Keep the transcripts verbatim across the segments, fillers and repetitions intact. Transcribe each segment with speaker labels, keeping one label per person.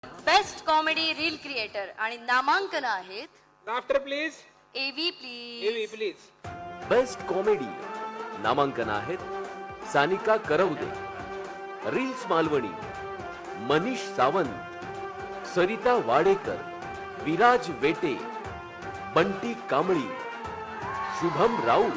Speaker 1: Best comedy reel creator आणि नामांकन आहेत.
Speaker 2: Laughter please.
Speaker 1: एव्ही प्लीज.
Speaker 2: एव्ही प्लीज.
Speaker 3: बेस्ट कॉमेडी नामांकन आहेत सानिका करवदे, रील्स मालवणी मनीष सावंत, सरिता वाडेकर, विराज वेटे, बंटी कांबळी, शुभम राऊत.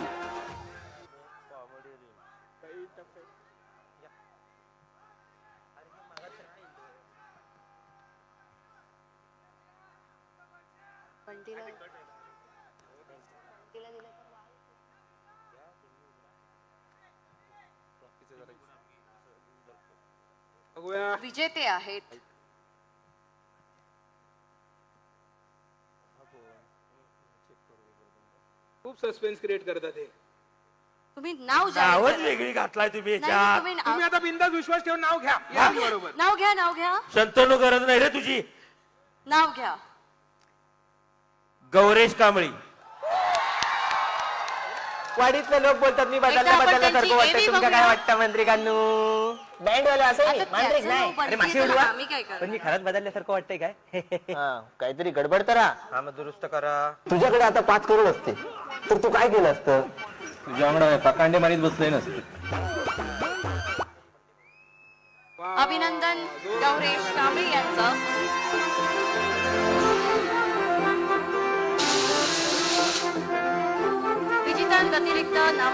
Speaker 1: विजेते आहेत
Speaker 2: खूप सस्पेन्स क्रिएट करतात हे.
Speaker 1: तुम्ही नाव जाहीर
Speaker 4: नावच
Speaker 1: करा.
Speaker 4: वेगळी घातलाय तुम्ही
Speaker 1: नाही,
Speaker 4: याच्यात.
Speaker 1: तुम्ही नाव-
Speaker 2: तुम्ही आता बिंदास विश्वास ठेवून नाव घ्या. या बरोबर.
Speaker 1: नाव घ्या नाव घ्या
Speaker 4: संतनु गरज नाही रे तुझी.
Speaker 1: नाव घ्या.
Speaker 4: गौरेश कांबळी.
Speaker 5: वाडीतले लोक बोलतात मी
Speaker 1: एकदा
Speaker 5: बदलल्या
Speaker 1: आपण
Speaker 5: बदलल्यासारखं
Speaker 1: त्यांची
Speaker 5: वाटतं.
Speaker 1: एवी
Speaker 5: तुमका काय
Speaker 1: बघूया.
Speaker 5: वाटतं मंत्रिकांनू? बँड वाला असं
Speaker 1: आता
Speaker 5: मांत्रिक
Speaker 1: त्याचं
Speaker 5: नाही.
Speaker 1: नाव
Speaker 5: अरे
Speaker 1: बनतील
Speaker 5: माशी
Speaker 1: तर
Speaker 5: उडवा.
Speaker 1: आम्ही काय करणार?
Speaker 5: पण मी खरंच बदलल्यासारखं वाटतंय काय? काहीतरी गडबड करा.
Speaker 4: हा मग दुरुस्त करा.
Speaker 5: तुझ्याकडे आता पाच करोड असते तर तू काय केलं असतं?
Speaker 6: तुझ्याकडे पकांडे मारीत बसले नसते.
Speaker 1: अभिनंदन गौरेश कांबळी यांचं. विजेत्यांव्यतिरिक्त